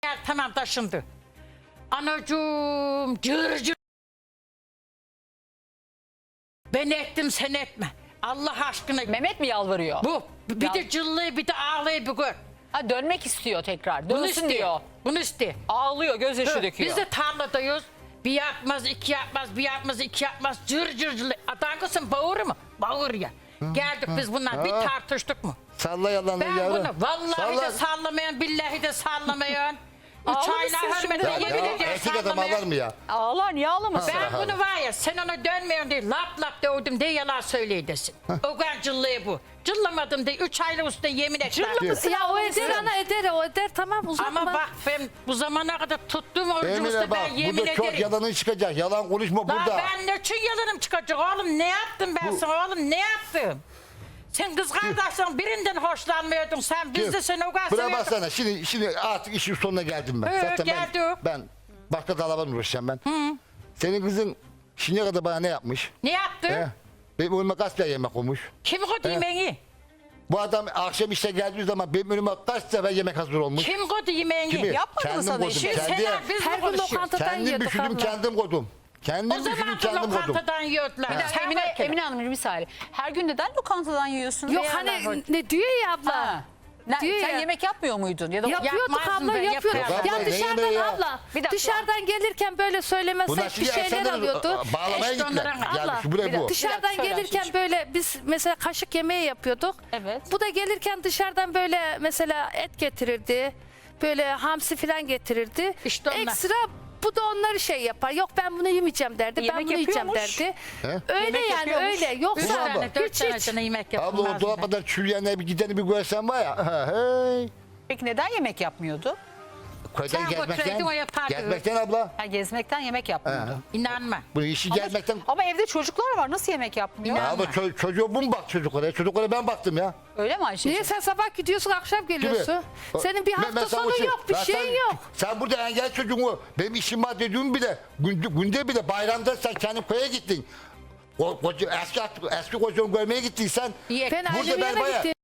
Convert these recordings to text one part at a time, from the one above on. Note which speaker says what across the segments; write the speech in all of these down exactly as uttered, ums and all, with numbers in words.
Speaker 1: Gel tamam taşındı. Anacığım cır cır. Ben ettim sen etme. Allah aşkına.
Speaker 2: Mehmet mi yalvarıyor?
Speaker 1: Bu bir
Speaker 2: Ya-
Speaker 1: de cıllığı bir de ağlayı bir gör.
Speaker 2: Ha, dönmek istiyor tekrar.
Speaker 1: Bunu
Speaker 2: Dönsün
Speaker 1: istiyor.
Speaker 2: diyor.
Speaker 1: Bunu istiyor.
Speaker 2: Ağlıyor, gözyaşı
Speaker 1: Hı,
Speaker 2: döküyor.
Speaker 1: Biz de tarladayız. Bir yapmaz, iki yapmaz, bir yapmaz, iki yapmaz. Cır cır cır. Atan kızım bağır mı? Bağır ya. Geldik biz bunlar bir
Speaker 3: Ha.
Speaker 1: tartıştık mı?
Speaker 3: Salla yalanı
Speaker 1: Ben
Speaker 3: yavrum.
Speaker 1: bunu vallahi
Speaker 3: Salla.
Speaker 1: de sallamayan, billahi de sallamayan. Üç
Speaker 2: Ağlamışsın
Speaker 1: aylar
Speaker 2: şimdi.
Speaker 1: hürmete
Speaker 3: Ya,
Speaker 1: yemin
Speaker 3: ya,
Speaker 1: ediyorum
Speaker 3: erkek adam
Speaker 1: sallamayan.
Speaker 3: ağlar mı ya?
Speaker 2: Ağlar, niye ağlamasın?
Speaker 1: Ben bunu var ya sen ona dönmüyorsun diye lap lap dövdüm diye yalan söyleyedesin. O kadar cıllığı bu. Cıllamadım diye üç aylık üstüne yemin ettim.
Speaker 4: Ya o eder ana eder o eder tamam uzatma.
Speaker 1: Ama bak ben bu zamana kadar tuttuğum orucu
Speaker 3: Emine
Speaker 1: üstüne
Speaker 3: bak
Speaker 1: ben yemin
Speaker 3: burada çok
Speaker 1: ederim.
Speaker 3: yalanın çıkacak. Yalan konuşma
Speaker 1: Lan
Speaker 3: burada.
Speaker 1: ben ne için yalanım çıkacak oğlum ne yaptım ben
Speaker 3: Bu-
Speaker 1: sana oğlum ne yaptım? Sen kız kardeşin birinden hoşlanmıyordun sen biz de seni o kadar
Speaker 3: Buna
Speaker 1: seviyorduk.
Speaker 3: baksana şimdi, şimdi artık işin sonuna geldim ben.
Speaker 1: Evet,
Speaker 3: Zaten ben,
Speaker 1: geldik.
Speaker 3: ben başka dalaban uğraşacağım ben. Senin kızın şimdiye kadar bana ne yapmış?
Speaker 1: Ne yaptın?
Speaker 3: He? Benim önüme kaç tane yemek olmuş?
Speaker 1: Kim koydu yemeğini?
Speaker 3: Bu adam akşam işe geldiği zaman benim önüme kaç sefer yemek hazır olmuş?
Speaker 1: Kim koydu yemeğini?
Speaker 3: Kimi?
Speaker 2: Yapmadı mı
Speaker 3: Kendim
Speaker 2: sana
Speaker 3: koydum,
Speaker 2: işi?
Speaker 1: Şimdi
Speaker 3: kendi-
Speaker 1: Sena biz
Speaker 4: Her
Speaker 1: mi
Speaker 4: gün
Speaker 1: konuşuyoruz?
Speaker 4: lokantadan
Speaker 3: Kendim
Speaker 4: yiyorduk
Speaker 3: pişirdim,
Speaker 4: abla.
Speaker 3: kendim koydum. Kendim
Speaker 1: O
Speaker 3: pişirdim,
Speaker 1: zaman da
Speaker 3: kendim koydum.
Speaker 1: lokantadan yiyordular.
Speaker 2: Bir dakika,
Speaker 1: Sen
Speaker 2: Emine,
Speaker 1: bak hele.
Speaker 2: Emine Hanımcığım bir saniye. Her gün neden lokantadan yiyorsun?
Speaker 4: Yok
Speaker 2: Veya
Speaker 4: hani
Speaker 2: nereden-
Speaker 4: ne diyor ya abla.
Speaker 2: Ha. Ne,
Speaker 4: Diyor
Speaker 2: sen
Speaker 4: ya.
Speaker 2: yemek yapmıyor muydun? Ya da
Speaker 4: Yapıyorduk
Speaker 1: Yapmazdım
Speaker 4: abla
Speaker 1: ben,
Speaker 4: yapıyorduk.
Speaker 1: yaparım.
Speaker 4: Ya
Speaker 3: Abla, ne
Speaker 4: dışarıdan
Speaker 3: yemeği ya?
Speaker 4: abla
Speaker 2: Bir dakika.
Speaker 4: dışarıdan gelirken böyle
Speaker 3: Bunlar
Speaker 4: söylemezsek bir
Speaker 3: şimdi
Speaker 4: şeyler
Speaker 3: Ersen'den
Speaker 4: alıyordu.
Speaker 3: bağlamaya
Speaker 1: Eşit
Speaker 3: gittiler.
Speaker 1: onların-
Speaker 3: Yani
Speaker 4: Abla,
Speaker 3: şu buraya
Speaker 2: bir dakika.
Speaker 3: bu.
Speaker 4: Dışarıdan
Speaker 2: söyle
Speaker 4: gelirken
Speaker 2: Ayşe'cim.
Speaker 4: böyle biz mesela kaşık yemeği yapıyorduk.
Speaker 2: Evet.
Speaker 4: Bu da gelirken dışarıdan böyle mesela et getirirdi. Böyle hamsi falan getirirdi.
Speaker 1: İşte onlar.
Speaker 4: Ekstra bu da onları şey yapar. Yok ben bunu yemeyeceğim derdi.
Speaker 2: Yemek
Speaker 4: ben bunu yiyeceğim
Speaker 2: yapıyormuş.
Speaker 4: derdi.
Speaker 3: He?
Speaker 4: Öyle
Speaker 2: Yemek
Speaker 4: yani
Speaker 2: yapıyormuş.
Speaker 4: öyle.
Speaker 1: Üç
Speaker 4: Yoksa
Speaker 3: Abla.
Speaker 1: tane, dört
Speaker 4: hiç
Speaker 1: tane
Speaker 4: hiç.
Speaker 1: sana yemek
Speaker 3: Abla o
Speaker 1: yapılmaz.
Speaker 3: dolaptan çürüyenler bir gideni bir görsen var ya. ha, Hey.
Speaker 2: Peki neden yemek yapmıyordu?
Speaker 3: Köyden
Speaker 1: Sen
Speaker 3: gezmekten.
Speaker 1: götüreydin, o yapardı.
Speaker 3: Gezmekten abla.
Speaker 2: Ha, gezmekten yemek yapmıyordu.
Speaker 1: İnanma.
Speaker 3: Bu işi
Speaker 2: Ama,
Speaker 3: gezmekten.
Speaker 2: ama evde çocuklar var. Nasıl yemek yapmıyor?
Speaker 1: İnan-
Speaker 3: Abla ço- çocuğa bu mu bak çocuklara? Çocuklara ben baktım ya.
Speaker 2: Öyle mi Ayşe'cim?
Speaker 4: Niye sen sabah gidiyorsun akşam geliyorsun? Senin bir
Speaker 3: Ben- ben
Speaker 4: hafta
Speaker 3: sana
Speaker 4: sonu
Speaker 3: şey-
Speaker 4: yok bir
Speaker 3: Ya
Speaker 4: şeyin
Speaker 3: sen,
Speaker 4: yok.
Speaker 3: Sen burada engel çocuğunu benim işim var dediğim bile günde, günde bile bayramda sen kendi köye gittin. O, koca, eski, eski kocanı görmeye gittin sen.
Speaker 1: İyi.
Speaker 4: Ben
Speaker 3: Burada
Speaker 4: ailemin
Speaker 3: ben
Speaker 4: yanına
Speaker 3: bayağı-
Speaker 4: gittim.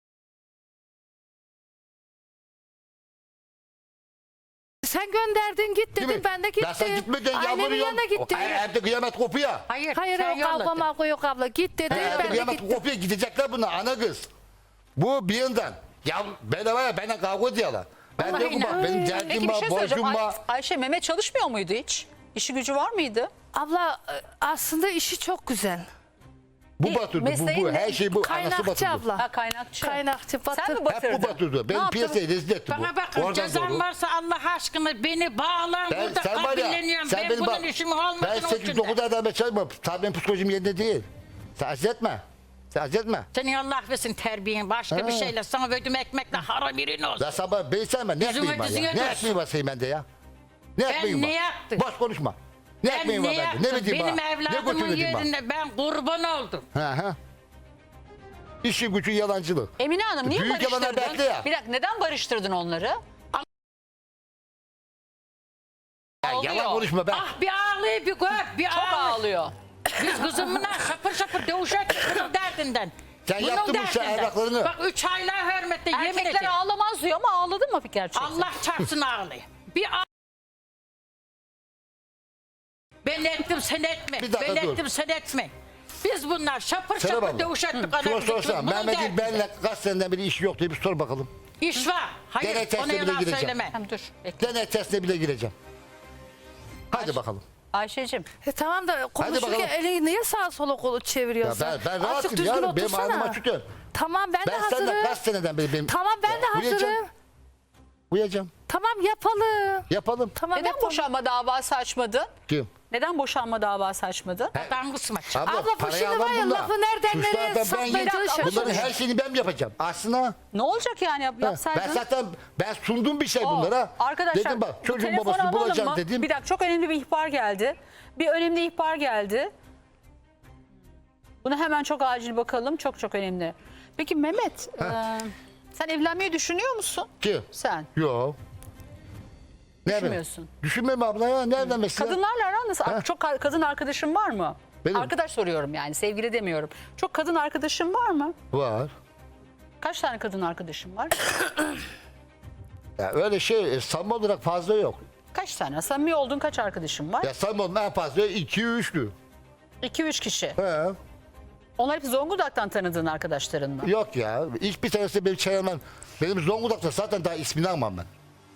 Speaker 4: Sen gönderdin git
Speaker 3: Değil
Speaker 4: dedin
Speaker 3: mi?
Speaker 4: ben de gittim.
Speaker 3: Ben sen gitmeden
Speaker 4: Ailemin
Speaker 3: yalvarıyorum.
Speaker 4: yanına gittim.
Speaker 3: Hayır, evde kıyamet kopuyor.
Speaker 1: Hayır,
Speaker 4: Hayır
Speaker 1: sen
Speaker 4: o kavga
Speaker 1: yolladın.
Speaker 4: mavga yok abla git dedi
Speaker 3: Evde
Speaker 4: ben de
Speaker 3: kıyamet
Speaker 4: gittim.
Speaker 3: kopuyor gidecekler bunlar ana kız. Bu bir yandan. Ya bedava ya bana kavga ediyorlar. Ben
Speaker 1: Vallahi
Speaker 3: de bak
Speaker 1: inan.
Speaker 3: benim
Speaker 2: Peki
Speaker 3: derdim
Speaker 2: bir
Speaker 3: var,
Speaker 2: şey söyleyeceğim.
Speaker 3: borcum
Speaker 2: Ay-
Speaker 3: var.
Speaker 2: Ayşe Mehmet çalışmıyor muydu hiç? İşi gücü var mıydı?
Speaker 4: Abla e, aslında işi çok güzel.
Speaker 3: Bu
Speaker 2: Ne-
Speaker 3: batırdı bu
Speaker 2: mesleğin
Speaker 3: bu
Speaker 2: ne?
Speaker 3: her şey bu anası
Speaker 4: Kaynakçı
Speaker 3: batırdı.
Speaker 4: abla.
Speaker 2: Ha kaynakçı.
Speaker 4: Kaynakçı batır.
Speaker 2: Sen mi
Speaker 3: Hep
Speaker 2: batırdın?
Speaker 3: bu batırdı.
Speaker 2: Ne
Speaker 3: Benim
Speaker 2: yaptın?
Speaker 3: piyasayı rezil etti bu.
Speaker 1: Bana bakın
Speaker 3: Oradan
Speaker 1: cezam
Speaker 3: doğru.
Speaker 1: varsa Allah aşkına beni bağlan
Speaker 3: Ben,
Speaker 1: burada
Speaker 3: sen var ya,
Speaker 1: kabulleniyorum.
Speaker 3: sen
Speaker 1: Ben
Speaker 3: benim
Speaker 1: bunun
Speaker 3: bak,
Speaker 1: işimi olmadığını
Speaker 3: ben
Speaker 1: ucunda.
Speaker 3: sekiz dokuz adam çalışmam. Tabii benim psikolojim yerinde değil. Sen acele etme. Sen acele etme.
Speaker 1: Senin Allah versin terbiyen başka
Speaker 3: Ha.
Speaker 1: bir şeyle sana verdim ekmekle haram birin olsun.
Speaker 3: Ben sabah beni sevme. Ne
Speaker 1: Yüzüme
Speaker 3: ekmeğim var
Speaker 1: dizine
Speaker 3: ya? Ne
Speaker 1: dur.
Speaker 3: ekmeğim var senin bende ya? Ne ekmeğim var?
Speaker 1: ne yaptım?
Speaker 3: Boş konuşma. Ne
Speaker 1: Ben
Speaker 3: ekmeğim var
Speaker 1: ne
Speaker 3: bende?
Speaker 1: yaptım?
Speaker 3: Ne bileyim
Speaker 1: Benim
Speaker 3: bana? Ne
Speaker 1: evladımın
Speaker 3: götürmedin bana?
Speaker 1: yerinde ben kurban oldum.
Speaker 3: Ha ha. İşin gücün yalancılık.
Speaker 2: Emine Hanım niye
Speaker 3: Büyük yalanlar
Speaker 2: barıştırdın?
Speaker 3: bende ya.
Speaker 2: Bir dakika neden barıştırdın onları?
Speaker 3: Ya
Speaker 2: Ağlıyor.
Speaker 3: yalan konuşma ben.
Speaker 1: Ah bir ağlıyor bir gör bir
Speaker 2: Çok
Speaker 1: ağlıyor.
Speaker 2: ağlıyor.
Speaker 1: Biz kızımla şapır şapır dövüşecek bunun derdinden.
Speaker 3: Sen
Speaker 1: Bunun
Speaker 3: yaptın bu şey
Speaker 1: derdinden.
Speaker 3: evraklarını.
Speaker 1: Bak üç aylar hürmetle yemin
Speaker 2: Erkekler
Speaker 1: ederim.
Speaker 2: ağlamaz diyor ama ağladı mı gerçekten?
Speaker 1: Allah çarpsın ağlıyor. Bir ağ... Ben ettim sen etme.
Speaker 3: Bir dakika
Speaker 1: Ben
Speaker 3: dur.
Speaker 1: ettim sen etme. Biz bunlar şapır
Speaker 3: Serap
Speaker 1: şapır
Speaker 3: abla.
Speaker 1: dövüşecektik.
Speaker 3: Şuna
Speaker 1: anamızı.
Speaker 3: sorsana.
Speaker 1: Bunun
Speaker 3: Mehmet'in
Speaker 1: derdinden.
Speaker 3: benimle kaç seneden beri işi yok diye bir sor bakalım.
Speaker 1: İş var. Hayır
Speaker 3: Deney testine
Speaker 1: ona
Speaker 3: bile
Speaker 1: yalan
Speaker 3: gireceğim.
Speaker 1: söyleme.
Speaker 2: Tamam dur. Bekle.
Speaker 3: Deney testine bile gireceğim. Hadi bakalım.
Speaker 2: Ayşe'cim
Speaker 4: E tamam da konuşurken
Speaker 3: bakalım.
Speaker 4: elini niye sağa sola kolu çeviriyorsun?
Speaker 3: Ya ben- ben
Speaker 4: Azıcık
Speaker 3: rahatım
Speaker 4: düzgün
Speaker 3: yavrum, benim
Speaker 4: otursana.
Speaker 3: alnıma tükür.
Speaker 4: Tamam ben,
Speaker 3: Ben
Speaker 4: de
Speaker 3: senden
Speaker 4: hazırım.
Speaker 3: kaç seneden beri benim...
Speaker 4: Tamam ben de
Speaker 3: Uyuyacağım.
Speaker 4: hazırım.
Speaker 3: Uyuyacağım.
Speaker 4: Tamam yapalım.
Speaker 3: Yapalım.
Speaker 4: Tamam
Speaker 2: neden
Speaker 4: yapalım.
Speaker 2: boşanma davası açmadın?
Speaker 3: Kim?
Speaker 2: Neden boşanma davası açmadın?
Speaker 1: Adam kısmet.
Speaker 3: Abla,
Speaker 4: Abla bu
Speaker 3: parayı
Speaker 4: şimdi
Speaker 3: alan
Speaker 4: var ya
Speaker 3: bunlar.
Speaker 4: lafı nereden
Speaker 3: Suçlu
Speaker 4: nereye
Speaker 3: adam ben
Speaker 4: sapmaya
Speaker 3: yedim.
Speaker 4: çalışıyorsun.
Speaker 3: Bunların her şeyini ben mi yapacağım? Aslında
Speaker 2: Ne olacak yani yap,
Speaker 3: ben
Speaker 2: yapsaydın?
Speaker 3: zaten ben sundum bir şey
Speaker 2: O,
Speaker 3: bunlara.
Speaker 2: Arkadaşlar
Speaker 3: Dedim bak
Speaker 2: bu
Speaker 3: çocuğun
Speaker 2: telefonu
Speaker 3: babasını
Speaker 2: alalım
Speaker 3: bulacağım
Speaker 2: mı?
Speaker 3: dedim.
Speaker 2: Bir dakika çok önemli bir ihbar geldi. Bir önemli ihbar geldi. Buna hemen çok acil bakalım. Çok çok önemli. Peki Mehmet e, sen evlenmeyi düşünüyor musun?
Speaker 3: Kim?
Speaker 2: Sen.
Speaker 3: Yok. Ne
Speaker 2: Düşünmüyorsun.
Speaker 3: ben? Düşünmem abla ya. Nereden mesela?
Speaker 2: Kadınlarla aran nasıl?
Speaker 3: Ha?
Speaker 2: Çok ka- kadın arkadaşın var mı?
Speaker 3: Benim.
Speaker 2: Arkadaş soruyorum yani sevgili demiyorum. Çok kadın arkadaşın var mı?
Speaker 3: Var.
Speaker 2: Kaç tane kadın arkadaşın var?
Speaker 3: Ya öyle şey e, samimi olarak fazla yok.
Speaker 2: Kaç tane? Samimi olduğun kaç arkadaşın var?
Speaker 3: Ya samimi olduğum en fazla iki üçlü.
Speaker 2: iki üç kişi.
Speaker 3: He.
Speaker 2: Onlar hep Zonguldak'tan tanıdığın arkadaşların mı?
Speaker 3: Yok ya. Hiçbir tanesi benim çevremden. Benim Zonguldak'ta zaten daha ismini almam ben.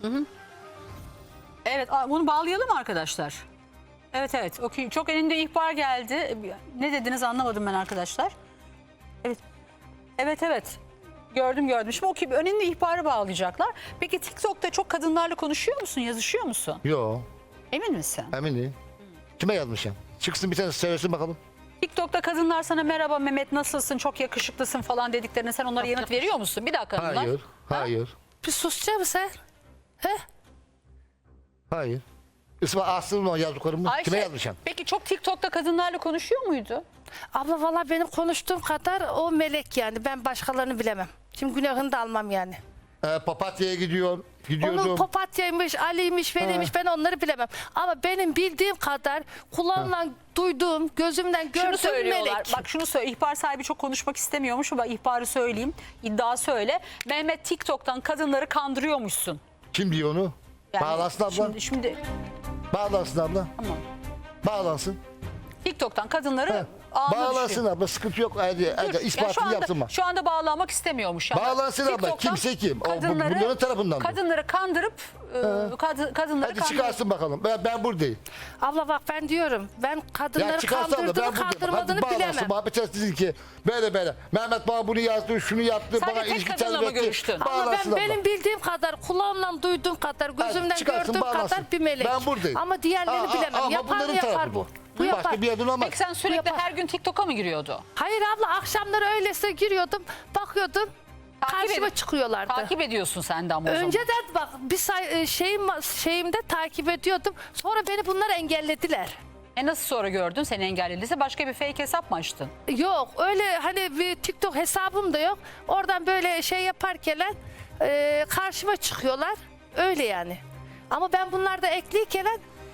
Speaker 2: Evet, a- bunu bağlayalım mı arkadaşlar? Evet evet. Okey. Çok elinde ihbar geldi. Ne dediniz anlamadım ben arkadaşlar. Evet. Evet evet. Gördüm gördüm. Şimdi okey, önünde ihbarı bağlayacaklar. Peki TikTok'ta çok kadınlarla konuşuyor musun? Yazışıyor musun?
Speaker 3: Yok.
Speaker 2: Emin misin?
Speaker 3: Eminim. Kime yazmışım? Çıksın bir tane söylesin bakalım.
Speaker 2: TikTok'ta kadınlar sana merhaba Mehmet nasılsın, çok yakışıklısın falan dediklerine sen onlara yanıt veriyor musun? Bir dakika hanımlar.
Speaker 3: Hayır. Hayır.
Speaker 4: Bir susacak mısın sen? He?
Speaker 3: Hayır. İsmi Aslı'nın o yazdıklarımı
Speaker 2: Ayşe,
Speaker 3: kime yazmışım?
Speaker 2: peki çok TikTok'ta kadınlarla konuşuyor muydu?
Speaker 4: Abla valla benim konuştuğum kadar o melek yani. Ben başkalarını bilemem. Şimdi günahını da almam yani.
Speaker 3: Ee, Papatya'ya gidiyor. Gidiyordum.
Speaker 4: Onun Papatya'ymış, Ali'ymiş, Veli'ymiş ben onları bilemem. Ama benim bildiğim kadar kulağımla duyduğum, gözümden
Speaker 2: Şunu
Speaker 4: gördüğüm
Speaker 2: söylüyorlar.
Speaker 4: melek.
Speaker 2: Bak şunu söyle. İhbar sahibi çok konuşmak istemiyormuş. Bak ihbarı söyleyeyim. İddia söyle. Mehmet TikTok'tan kadınları kandırıyormuşsun.
Speaker 3: Kim diyor onu?
Speaker 2: Yani
Speaker 3: Bağlansın abla.
Speaker 2: Şimdi, şimdi
Speaker 3: Bağlansın abla.
Speaker 2: tamam.
Speaker 3: Bağlansın.
Speaker 2: TikTok'tan kadınları
Speaker 3: He.
Speaker 2: ağına
Speaker 3: Bağlansın
Speaker 2: düşüyor.
Speaker 3: abla. Sıkıntı yok. Hadi,
Speaker 2: Dur,
Speaker 3: hadi,
Speaker 2: ya
Speaker 3: ispatını
Speaker 2: şu anda,
Speaker 3: yapsın mı?
Speaker 2: Şu anda bağlanmak istemiyormuş. Yani.
Speaker 3: Bağlansın abla.
Speaker 2: TikTok'tan
Speaker 3: Kimse kim? O, bu-
Speaker 2: Kadınları,
Speaker 3: bunların tarafından mı?
Speaker 2: kadınları kandırıp e, kad- kadınları
Speaker 3: Hadi
Speaker 2: kandırıp.
Speaker 3: çıkarsın bakalım. Ben, ben buradayım.
Speaker 4: Abla bak ben diyorum, ben
Speaker 3: Ya
Speaker 4: kadınları
Speaker 3: çıkarsın abla. Ben
Speaker 4: kandırdığını
Speaker 3: buradayım.
Speaker 4: kandırmadığını
Speaker 3: Hadi
Speaker 4: bilemem.
Speaker 3: bağlansın. Muhabbet etsin ki böyle böyle. Mehmet bana bunu yazdı, şunu yaptı.
Speaker 2: Sadece
Speaker 3: bana
Speaker 2: tek
Speaker 3: ilgi
Speaker 2: kadınla mı
Speaker 3: terbiye etti.
Speaker 2: görüştün?
Speaker 4: Ama
Speaker 3: Bağlansın
Speaker 4: ben
Speaker 3: abla.
Speaker 4: benim bildiğim kadar, kulağımla duyduğum kadar, gözümden
Speaker 3: çıkarsın,
Speaker 4: gördüğüm
Speaker 3: bağlansın.
Speaker 4: kadar bir melek.
Speaker 3: Ben buradayım.
Speaker 4: Ama diğerlerini
Speaker 3: Aa, aa,
Speaker 4: bilemem.
Speaker 3: ama
Speaker 4: Yapar mı
Speaker 3: bunların
Speaker 4: yapar
Speaker 3: tarafı
Speaker 4: bu.
Speaker 3: bu.
Speaker 4: Bu
Speaker 3: Başka
Speaker 4: yapar.
Speaker 3: bir yerden olmaz.
Speaker 2: Peki sen sürekli
Speaker 4: yapar.
Speaker 2: her gün TikTok'a mı giriyordu?
Speaker 4: Hayır abla, akşamları öylese giriyordum, bakıyordum.
Speaker 2: Takip
Speaker 4: Karşıma
Speaker 2: edip-
Speaker 4: çıkıyorlardı.
Speaker 2: Takip ediyorsun sen de ama o zaman.
Speaker 4: Önceden bak bir say- e, şeyim şeyimde takip ediyordum. Sonra beni bunlar engellediler.
Speaker 2: E nasıl sonra gördün seni engellediyse başka bir fake hesap mı açtın?
Speaker 4: Yok öyle hani bir TikTok hesabım da yok. Oradan böyle şey yaparken e, karşıma çıkıyorlar. Öyle yani. Ama ben bunlarda ekliyken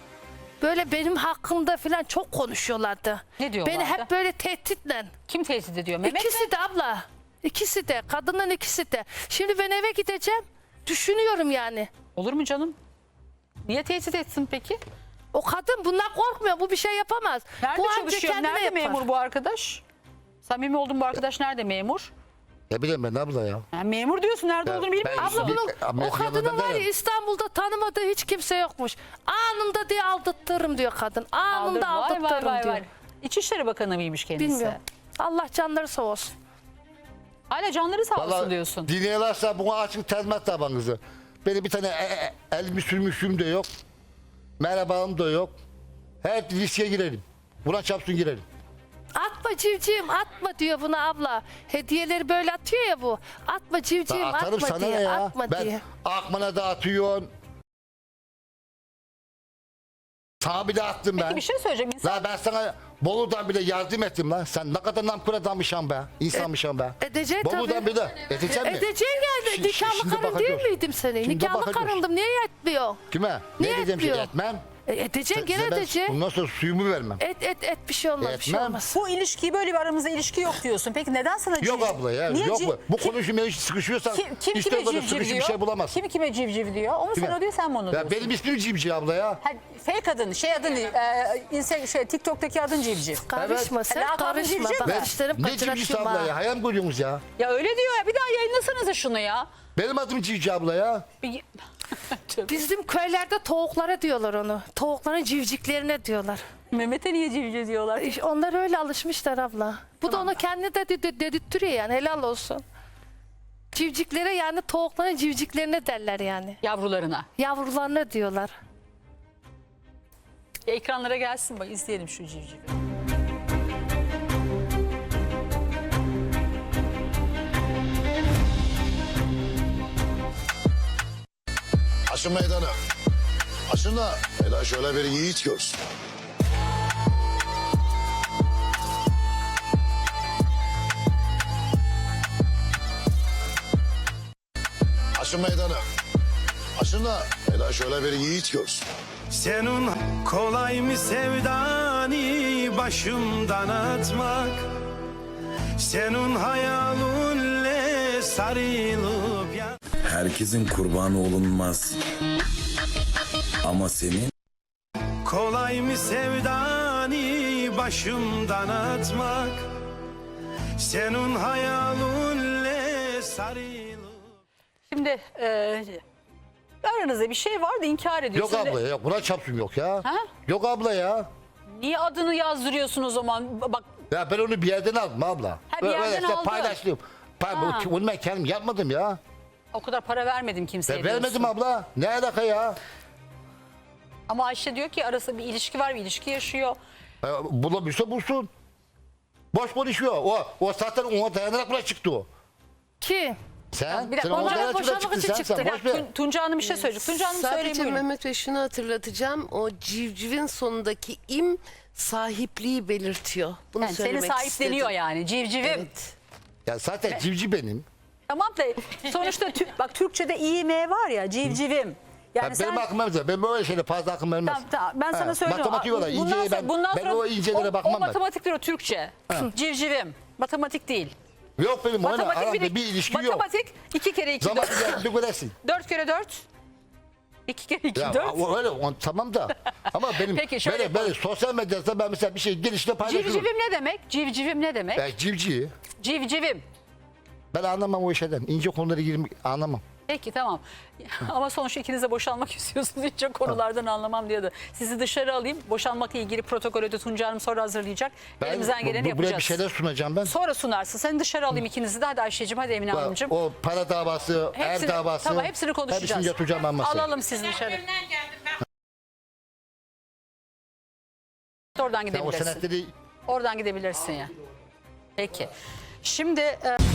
Speaker 4: böyle benim hakkımda falan çok konuşuyorlardı.
Speaker 2: Ne diyorlardı?
Speaker 4: Beni hep böyle tehditle.
Speaker 2: Kim tehdit ediyor? Mehmet mi?
Speaker 4: İkisi de abla. İkisi de. Kadının ikisi de. Şimdi ben eve gideceğim. Düşünüyorum yani.
Speaker 2: Olur mu canım? Niye tehdit etsin peki?
Speaker 4: O kadın bundan korkmuyor. Bu bir şey yapamaz.
Speaker 2: Nerede
Speaker 4: bu anca
Speaker 2: çalışıyor?
Speaker 4: kendine
Speaker 2: Nerede
Speaker 4: yapar.
Speaker 2: memur bu arkadaş? Samimi olduğun bu arkadaş nerede memur?
Speaker 3: Ne bileyim ben abla ya.
Speaker 2: Yani memur diyorsun, nerede
Speaker 3: Ya
Speaker 2: olduğunu bilmiyor
Speaker 3: ben-
Speaker 2: musun?
Speaker 4: Abla bunun,
Speaker 3: Bir- ama
Speaker 4: o kadının
Speaker 3: yanında
Speaker 4: var ya
Speaker 3: derim.
Speaker 4: İstanbul'da tanımadığı hiç kimse yokmuş. Anında diye aldattırırım diyor kadın. Anında
Speaker 2: Vay, vay,
Speaker 4: aldattırırım
Speaker 2: vay,
Speaker 4: diyor.
Speaker 2: vay. İçişleri Bakanı mıymış kendisi?
Speaker 4: Bilmiyorum. Allah canları sağ olsun.
Speaker 2: Hala canları sağ olsun
Speaker 3: Vallahi
Speaker 2: diyorsun.
Speaker 3: dinliyorlarsa buna açık tezmet tabanınızı. Benim bir tane e, e, elimi sürmüşüm de yok. Merhabam da yok. Her riske girelim. Buna çapsın girelim.
Speaker 4: Atma civcivim atma diyor buna abla. Hediyeleri böyle atıyor ya bu. Atma civcivim
Speaker 3: Ben atarım
Speaker 4: atma
Speaker 3: sana
Speaker 4: diye.
Speaker 3: ne ya?
Speaker 4: Atma
Speaker 3: Ben
Speaker 4: diye.
Speaker 3: Akman'a da atıyorsun. Sana bile attım ben.
Speaker 2: Peki bir şey söyleyeceğim. İnsan...
Speaker 3: La ben sana Bolu'dan bile yardım ettim lan. Sen ne kadar namkur adammışsın be. İnsanmışsın be.
Speaker 4: Edeceksin
Speaker 3: Bolu'dan
Speaker 4: tabii.
Speaker 3: bile. Edeceksin mi?
Speaker 4: Edeceksin yani.
Speaker 3: Şimdi-
Speaker 4: Nikahlı
Speaker 3: şimdi
Speaker 4: karın değil
Speaker 3: bakacağız.
Speaker 4: miydim senin?
Speaker 3: Şimdi
Speaker 4: Nikahlı
Speaker 3: bakacağız.
Speaker 4: karındım. Niye etmiyor?
Speaker 3: Kime?
Speaker 4: Niye
Speaker 3: ne diyeceğim şey
Speaker 4: etmiyor?
Speaker 3: etmem.
Speaker 4: E, edeceksin gene
Speaker 3: Size ben
Speaker 4: edeceksin.
Speaker 3: Bundan sonra suyumu vermem.
Speaker 4: Et et et bir şey olmaz bir şey
Speaker 3: Etmem.
Speaker 4: olmaz.
Speaker 2: Bu ilişkiyi, böyle bir aramızda ilişki yok diyorsun. Peki neden sana civciv?
Speaker 3: Yok abla ya.
Speaker 2: Niye
Speaker 3: yok
Speaker 2: civ-
Speaker 3: bu. Bu
Speaker 2: Kim-
Speaker 3: konuşmaya hiç sıkışıyorsan
Speaker 2: Kim, kim
Speaker 3: işte
Speaker 2: kime
Speaker 3: orada
Speaker 2: civciv
Speaker 3: sıkışıp
Speaker 2: diyor?
Speaker 3: bir şey bulamazsın.
Speaker 2: Kim kime civciv diyor? O mu
Speaker 3: Kime?
Speaker 2: sana diyor, sen mi onu
Speaker 3: Ya
Speaker 2: diyorsun?
Speaker 3: benim ismim Cimci abla ya.
Speaker 2: Ha, fake adın, şey adın, e, inse, şey, TikTok'taki adın civciv.
Speaker 4: Karışma sen
Speaker 2: Lakabın
Speaker 4: karışma.
Speaker 2: civciv
Speaker 4: Bak
Speaker 2: mi?
Speaker 4: dişlerim
Speaker 3: Ne Cimcisi
Speaker 4: kaçıratayım
Speaker 3: abla
Speaker 4: ha.
Speaker 3: ya? Hayal mi görüyorsunuz ya?
Speaker 2: Ya öyle diyor ya, bir daha yayınlasanıza şunu ya.
Speaker 3: Benim adım Cimci abla ya.
Speaker 2: Bir...
Speaker 4: Bizim köylerde tavuklara diyorlar onu. Tavukların civciklerine diyorlar.
Speaker 2: Mehmet'e niye civciv diyorlar?
Speaker 4: İşte onlar öyle alışmışlar abla. Bu da onu kendi de de- dedirtiyor yani helal olsun. Civciklere yani tavukların civciklerine derler yani.
Speaker 2: Yavrularına.
Speaker 4: Yavrularına diyorlar.
Speaker 2: Ekranlara gelsin bak, izleyelim şu civcivi.
Speaker 5: Aşın meydana. Aşın da hele şöyle bir yiğit görsün. Aşın meydana. Aşın da hele şöyle bir yiğit görsün.
Speaker 6: Senin kolay mı sevdani başımdan atmak? Senin hayalinle sarılıp ya...
Speaker 7: herkesin kurbanı olunmaz. Ama senin
Speaker 6: Kolay mı sevdani başımdan atmak? Senin hayalunle sarılıp.
Speaker 2: Şimdi e, aranızda bir şey vardı, inkar
Speaker 3: Yok
Speaker 2: ediyorsun.
Speaker 3: abla yok. Buna çapsım yok ya.
Speaker 2: Ha?
Speaker 3: Yok abla ya.
Speaker 2: Niye adını yazdırıyorsun o zaman? Bak
Speaker 3: Ya ben onu bir yerden aldım abla.
Speaker 2: Ha, bir yerden
Speaker 3: işte
Speaker 2: aldın.
Speaker 3: paylaştım. Pay,
Speaker 2: Ha.
Speaker 3: onu ben kendim yapmadım ya.
Speaker 2: o kadar para vermedim kimseye
Speaker 3: Ben
Speaker 2: diyorsun.
Speaker 3: vermedim abla. Ne alaka ya?
Speaker 2: Ama Ayşe diyor ki arasında bir ilişki var, bir ilişki yaşıyor.
Speaker 3: E, Bulabilirse bulsun. Boş konuşuyor. O, o zaten ona dayanarak buna çıktı o.
Speaker 4: Ki
Speaker 3: Sen,
Speaker 2: Bir dakika,
Speaker 3: sen ona
Speaker 2: Gonca
Speaker 3: dayanarak buna
Speaker 2: boşanmak
Speaker 3: çıktın.
Speaker 2: için
Speaker 3: Sen,
Speaker 2: çıktı.
Speaker 3: sen
Speaker 2: Ya,
Speaker 3: boş ver.
Speaker 2: Tun- Tunca Hanım bir şey söyleyecek. Tunca Hanım söyleyin
Speaker 8: Sadece
Speaker 2: buyurun.
Speaker 8: Mehmet Bey şunu hatırlatacağım. O civcivin sonundaki im sahipliği belirtiyor. Bunu
Speaker 2: Yani seni
Speaker 8: söylemek
Speaker 2: sahipleniyor
Speaker 8: istedim.
Speaker 2: yani civcivim.
Speaker 8: Evet.
Speaker 3: Ya zaten civciv benim.
Speaker 2: Tamam da sonuçta tü- bak Türkçe'de İM var ya civcivim. Yani
Speaker 3: Ya
Speaker 2: sen
Speaker 3: benim aklıma vermez. Ben böyle şeyle fazla aklıma vermez.
Speaker 2: Tamam, tamam. Ben sana
Speaker 3: Ha,
Speaker 2: söylüyorum.
Speaker 3: matematik olarak
Speaker 2: Bundan
Speaker 3: inceye
Speaker 2: sonra-
Speaker 3: ben,
Speaker 2: bundan
Speaker 3: ben
Speaker 2: sonra
Speaker 3: o incelere
Speaker 2: o,
Speaker 3: bakmam
Speaker 2: o
Speaker 3: ben.
Speaker 2: matematiktir o Türkçe. Civcivim. Matematik değil.
Speaker 3: Yok benim oyna
Speaker 2: Matematik
Speaker 3: aramda bir ilişki yok.
Speaker 2: Matematik iki kere iki
Speaker 3: Zaman
Speaker 2: dört.
Speaker 3: geldi göresin.
Speaker 2: Dört kere dört. İki kere iki
Speaker 3: Ya
Speaker 2: dört.
Speaker 3: o- öyle o- tamam da ama benim
Speaker 2: Peki, şöyle
Speaker 3: böyle, böyle
Speaker 2: yapalım.
Speaker 3: sosyal medyada ben mesela bir şey gelişle paylaşıyorum.
Speaker 2: Civcivim ne demek? Civcivim ne demek?
Speaker 3: Ya civciv.
Speaker 2: Civcivim.
Speaker 3: Ben anlamam o işlerden. İnce konulara girmek anlamam.
Speaker 2: Peki tamam. Ama sonuçta ikiniz de boşanmak istiyorsunuz. Hiç o konulardan anlamam diyordu. Sizi dışarı alayım. Boşanmakla ilgili protokolü de Tunca Hanım sonra hazırlayacak.
Speaker 3: Ben
Speaker 2: Elimizden geleni
Speaker 3: bu,
Speaker 2: yapacağız.
Speaker 3: buraya bir şeyler sunacağım ben.
Speaker 2: Sonra sunarsın. Seni dışarı alayım ikinizi de. Hadi Ayşe'cim, hadi Emine Hanımcığım.
Speaker 3: O para davası,
Speaker 2: Hepsini-
Speaker 3: er davası.
Speaker 2: Tamam, hepsini konuşacağız.
Speaker 3: Hepsini yatıracağım ben masaya.
Speaker 2: Alalım sizi dışarı.
Speaker 1: Evimden geldim ben.
Speaker 2: Oradan
Speaker 3: Sen o
Speaker 2: gidebilirsin.
Speaker 3: senetleri
Speaker 2: Oradan gidebilirsin ya. Peki. Şimdi... e,